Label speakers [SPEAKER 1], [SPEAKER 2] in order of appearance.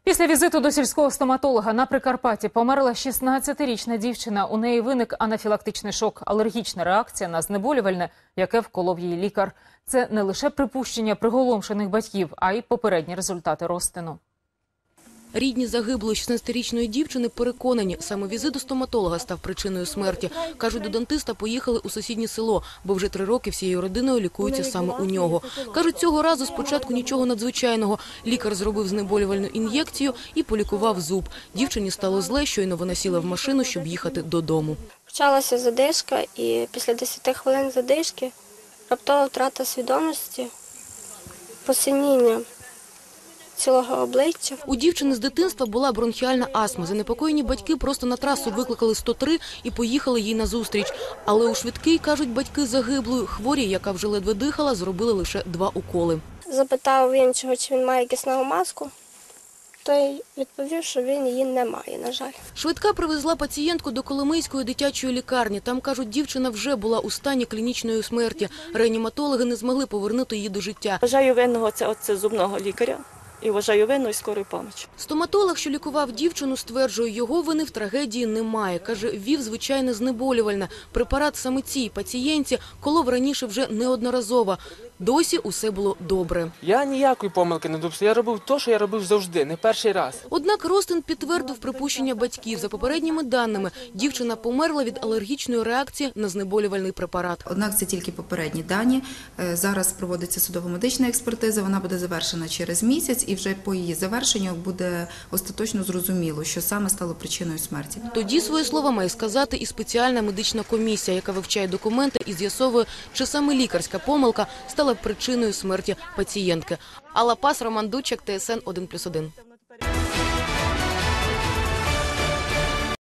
[SPEAKER 1] Після візиту до сільського стоматолога на Прикарпатті померла 16-річна дівчина. У неї виник анафілактичний шок, алергічна реакція на знеболювальне, яке вколов їй лікар. Це не лише припущення приголомшених батьків, а й попередні результати розтину.
[SPEAKER 2] Рідні загиблої 16-річної дівчини переконані, саме візит до стоматолога став причиною смерті. Кажуть, до дантиста поїхали у сусіднє село, бо вже 3 роки всією родиною лікуються саме у нього. Кажуть, цього разу спочатку нічого надзвичайного. Лікар зробив знеболювальну ін'єкцію і полікував зуб. Дівчині стало зле, щойно вона сіла в машину, щоб їхати додому.
[SPEAKER 3] Почалася задишка, і після 10 хвилин задишки раптова втрата свідомості, посиніння цілого обличчя.
[SPEAKER 2] У дівчини з дитинства була бронхіальна астма. Занепокоєні батьки просто на трасу викликали 103 і поїхали їй назустріч. Але у швидкій, кажуть батьки загиблої, хворій, яка вже ледве дихала, зробили лише 2 уколи.
[SPEAKER 3] Запитав він, чи він має кисневу маску. Той відповів, що він її не має, на жаль.
[SPEAKER 2] Швидка привезла пацієнтку до Коломийської дитячої лікарні. Там, кажуть, дівчина вже була у стані клінічної смерті. Реаніматологи не змогли повернути її до життя.
[SPEAKER 4] Вважаю винного це зубного лікаря. І вважаю винною скорої помочі.
[SPEAKER 2] Стоматолог, що лікував дівчину, стверджує, його вини в трагедії немає. Каже, ввів звичайне знеболювальне. Препарат саме цій пацієнтці колов раніше вже неодноразово. Досі усе було добре.
[SPEAKER 5] Я ніякої помилки не допустив. Я робив те, що я робив завжди, не перший раз.
[SPEAKER 2] Однак Ростин підтвердив припущення батьків. За попередніми даними, дівчина померла від алергічної реакції на знеболювальний препарат.
[SPEAKER 6] Однак це тільки попередні дані. Зараз проводиться судово-медична експертиза, вона буде завершена через місяць, і вже по її завершенню буде остаточно зрозуміло, що саме стало причиною смерті.
[SPEAKER 2] Тоді свої слова має сказати і спеціальна медична комісія, яка вивчає документи і з'ясовує, чи саме лікарська помилка стала причиною смерті пацієнтки. Алла Пас, Роман Дучак, ТСН 1+1.